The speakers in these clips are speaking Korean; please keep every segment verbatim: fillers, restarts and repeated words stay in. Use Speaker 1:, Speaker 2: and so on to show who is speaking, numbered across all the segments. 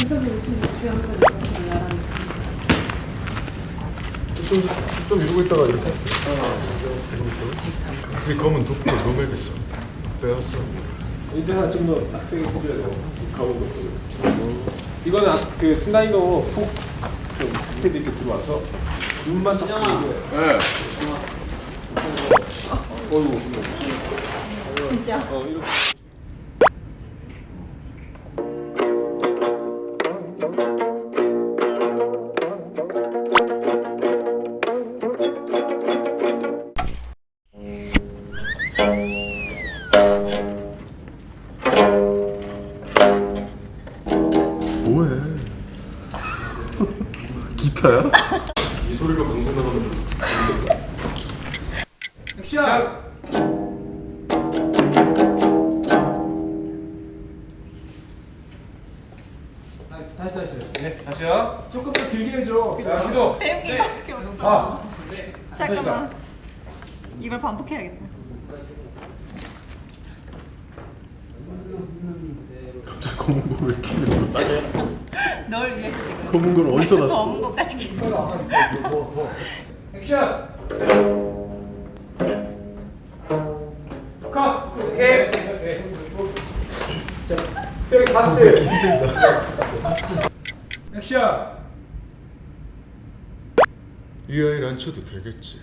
Speaker 1: 검사들이 지금 주영사를 같이 알아냈습니다.
Speaker 2: 좀, 좀 이러고 있다가 이렇게. 이 검은 도포를 넘어야겠어. 빼앗어.
Speaker 3: 이제는 좀 더 빡세게 해줘서 가보고 있거든요. 이거는 아- 그 슬라이더로 훅좀 스피드 있게 들어와서 눈만 딱 보이게. 네. 어이구.
Speaker 1: 진짜.
Speaker 3: 어 이렇게.
Speaker 2: 뭐해? 기타야? 이 소리가 방송 나가면
Speaker 3: 액션! 다시 다시. 네, 다시요. 조금 더 길게 해줘. 자, 기도.
Speaker 1: 배우기밖에 없어.
Speaker 3: 아.
Speaker 1: 잠깐만. 이걸 반복해야겠다.
Speaker 2: 갑자기 검은 거왜 키는 거야?
Speaker 1: 널 위해서 지금.
Speaker 2: 검은 걸 어디서 났어?
Speaker 1: 검은 거까지 키.
Speaker 3: 액션! 컷! 오케이. 자, 세 카트. 액션!
Speaker 2: 이 아이를 안 쳐도 되겠지.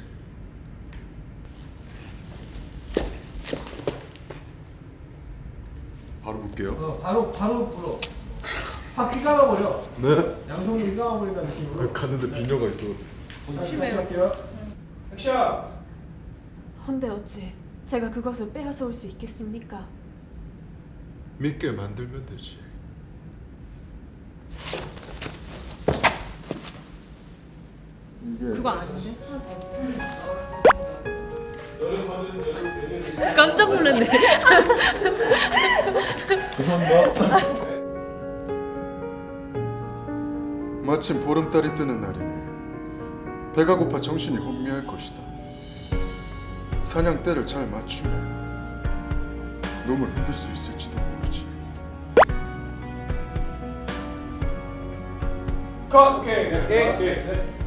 Speaker 2: 바로 볼게요.
Speaker 3: 어, 바로 바로 불어. 확 휘감아 버려.
Speaker 2: 네?
Speaker 3: 양손으로 휘감아 버린다는 느낌으로.
Speaker 2: 가는데 비녀가 있어.
Speaker 3: 조심해요. 할게요. 액션!
Speaker 4: 헌데 어찌 제가 그것을 빼앗아 올 수 있겠습니까?
Speaker 2: 믿게 만들면 되지.
Speaker 4: 그거 아닌데? 깜짝 놀랐네.
Speaker 2: 마침 보름달이 뜨는 날이네. 배가 고파 정신이 혼미할 것이다. 사냥 때를 잘 맞추면 놈을 흔들 수 있을지도 모르지.
Speaker 3: 컷! 오케이. 오케이. 오케이.